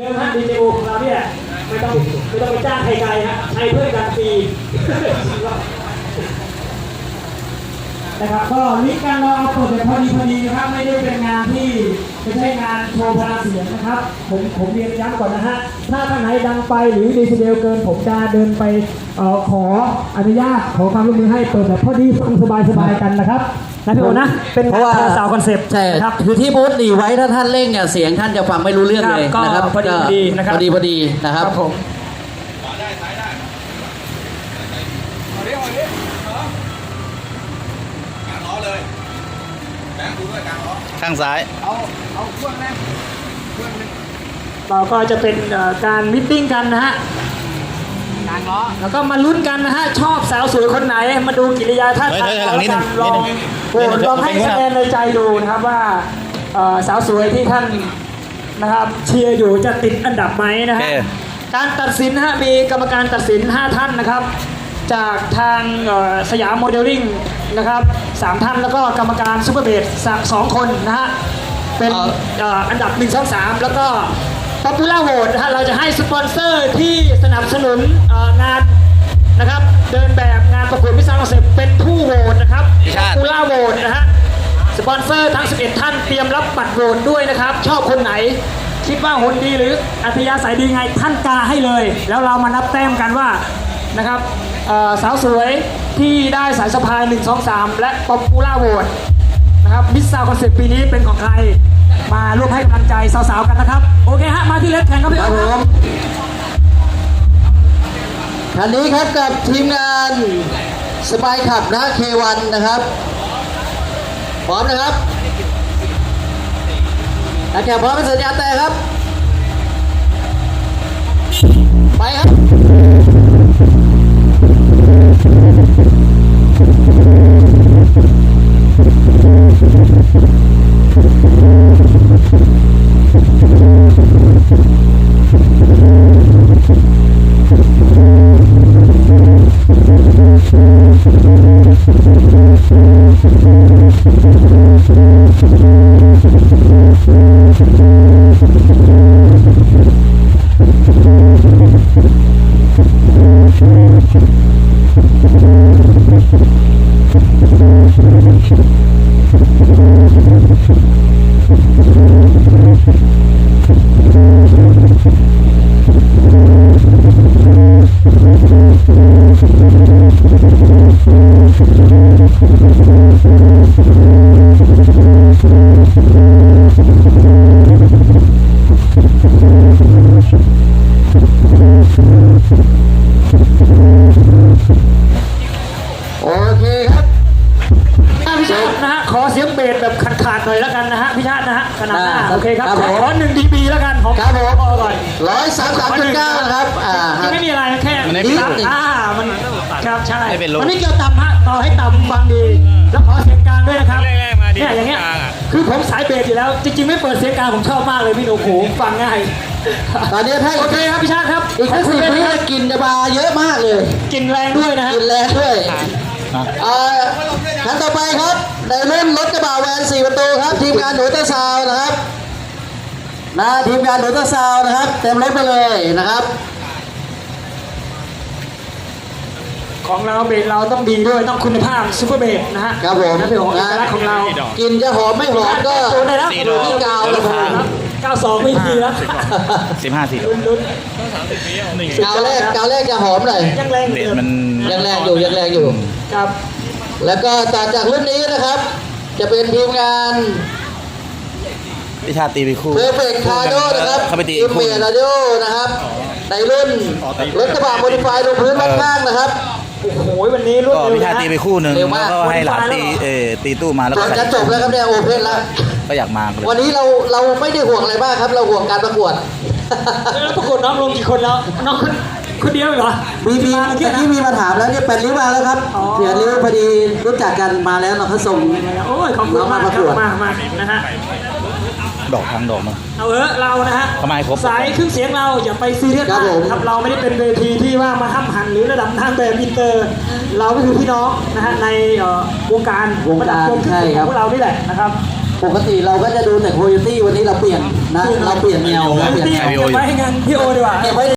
ดิมฮะดีเจโอของเราเนี่ยไม่ต้องไปจ้างใครไกลฮะใช้เพื่อนกันฟรีนะครับก็วิการเราเอาเปิดแบบพอดีนะครับไม่ได้เป็นงานที่ไม่ใช่งานโชว์พลังเสียงนะครับผมเรียนย้ำก่อนนะฮะถ้าข้างไหนดังไปหรือดีเซเบลเกินผมจะเดินไปขออนุญาตขอความร่วมมือให้เปิดแบบพอดีฟังสบายกันนะครับนะพี่โอนะเป็นเพราะว่าสาวคอนเซปต์ใช่ครับคือที่บูธดีไว้ถ้าท่านเร่งเนี่ยเสียงท่านจะฟังไม่รู้เรื่องเลยนะครับพอดีนะครับพอดีนะครับผมข้างซ้ายเอาเครื่องนะเราก็จะเป็นการมิทติ้งกันนะฮะกลางล้อแล้วก็มาลุ้นกันนะฮะชอบสาวสวยคนไหนมาดูกิริยาท่าทางแล้วกันลองให้คะแนนในใจดูนะครับว่าสาวสวยที่ท่านนะครับเชียร์อยู่จะติดอันดับไหมนะฮะการตัดสินฮะมีกรรมการตัดสิน5ท่านนะครับจากทางสยามโมเดลลิ่งนะครับ3ท่านแล้วก็กรรมการซูเปอร์เบส2คนนะฮะเป็นอันดับ1 2 3แล้วก็ป๊อปปูล่าโหวตนะฮะเราจะให้สปอนเซอร์ที่สนับสนุนงานนะครับเดินแบบงานประกวดมิสซังคอนเซ็ปต์เป็นผู้โหวตนะครับป๊อปปูล่าโหวตนะฮะสปอนเซอร์ทั้ง11ท่านเตรียมรับบัตรโหวตด้วยนะครับชอบคนไหนคิดว่าหุ่นดีหรืออัธยาศัยดีไงท่านกาให้เลยแล้วเรามานับแต้มกันว่านะครับสาวสวยที่ได้สายสะพาย1 2 3และป๊อปปูล่าโหวตนะครับมิสซังคอนเซ็ปต์ปีนี้เป็นของใครมาร่วมให้กำลังใจสาวๆกันนะครับโอเคฮะมาที่เลสแข่งครับพี่ครับผมคันนี้ครับกับทีมงานสปายขับนะ K1 นะครับพร้อมนะครับนักแข่งพร้อมเป็นสัญญาณแต่ครับไปครับขอเสียงเบสแบบขาดๆหน่อยแล้วกันนะฮะพี่ชาตินะฮะขนาดหน้าโอเคครับขอ1 dBแล้วกันผมครับผมก่อน 133.9นะครับไม่มีอะไรแค่มันครับใช่มันไม่เกี่ยวต่ำฮะต่อให้ต่ำฟังดีแล้วขอเสียงกลางด้วยนะครับเนี่ยอย่างเงี้ยคือผมสายเบสอยู่แล้วจริงๆไม่เปิดเสียงกลางผมชอบมากเลยพี่โนโขฟังง่ายตอนนี้ถ้าโอเคครับพี่ชาติครับอีก10 วิกลิ่นจะมาเยอะมากเลยกลิ่นแรงด้วยนะฮะกลิ่นแรงด้วยขั้นต่อไปครับในรุ่นรถกระบะแวน4 ประตูครับทีมงานหนูตะซาวนะครับทีมงานหนูตะซาวนะครับเต็มรถไปเลยนะครับของเราเบสเราต้องดีด้วยต้องคุณภาพซูเปอร์เบสนะฮะครับผมนั่นเป็นของเอกลักษณ์ของเรากินจะหอมไม่หอมก็ได้แล้วที่กาวแล้วครับ92ไม่ทีแล้ว 15 ทีลุ้นกาวแรกจะหอมหน่อยยังแรงยังแรงอยู่ครับแล้วก็จากรุ่นนี้นะครับจะเป็นทีมงานพิชาตีไปคู่เพอร์เฟกต์คาร์โดนะครับเขาไปตีทีมเมลาโดนะครับในรุ่นรถกระบะโมดิฟายลงพื้นข้างนะครับโอ้โหวันนี้รุ่นพิชาตีไปคู่หนึ่งแล้วก็ให้หลานตีตู้มาแล้วก็จะจบแล้วครับเนี่ยโอเพนแล้วก็อยากมาวันนี้เราไม่ได้ห่วงอะไรมากครับเราห่วงการประกวดแล้วประกวดน้องลงกี่คนแล้วน้องคนเดียวเหรอมีมาถามแล้วเนี่ย8 ริ้วมาแล้วครับเสียริ้วพอดีรู้จักกันมาแล้วเราเขาส่งโอ้ยขอบคุณมากนะฮะดอกทางดอกมาเอาเรานะฮะทำไมครบสายเครื่องเสียงเราอย่าไปซีเรียสครับเราไม่ได้เป็นเวทีที่ว่ามาห้ามหันหรือระดับทางแบบอินเตอร์เราก็คือพี่น้องนะฮะในวงการใช่ครับพวกเรานี่แหละนะครับปกติเราก็จะดูแต่โคโยตี้วันนี้เราเปลี่ยนนะเราเปลี่ยนแนวเราเปลี่ยนแนวเก็บไว้ให้งานพี่โอดีกว่าเก็บไว้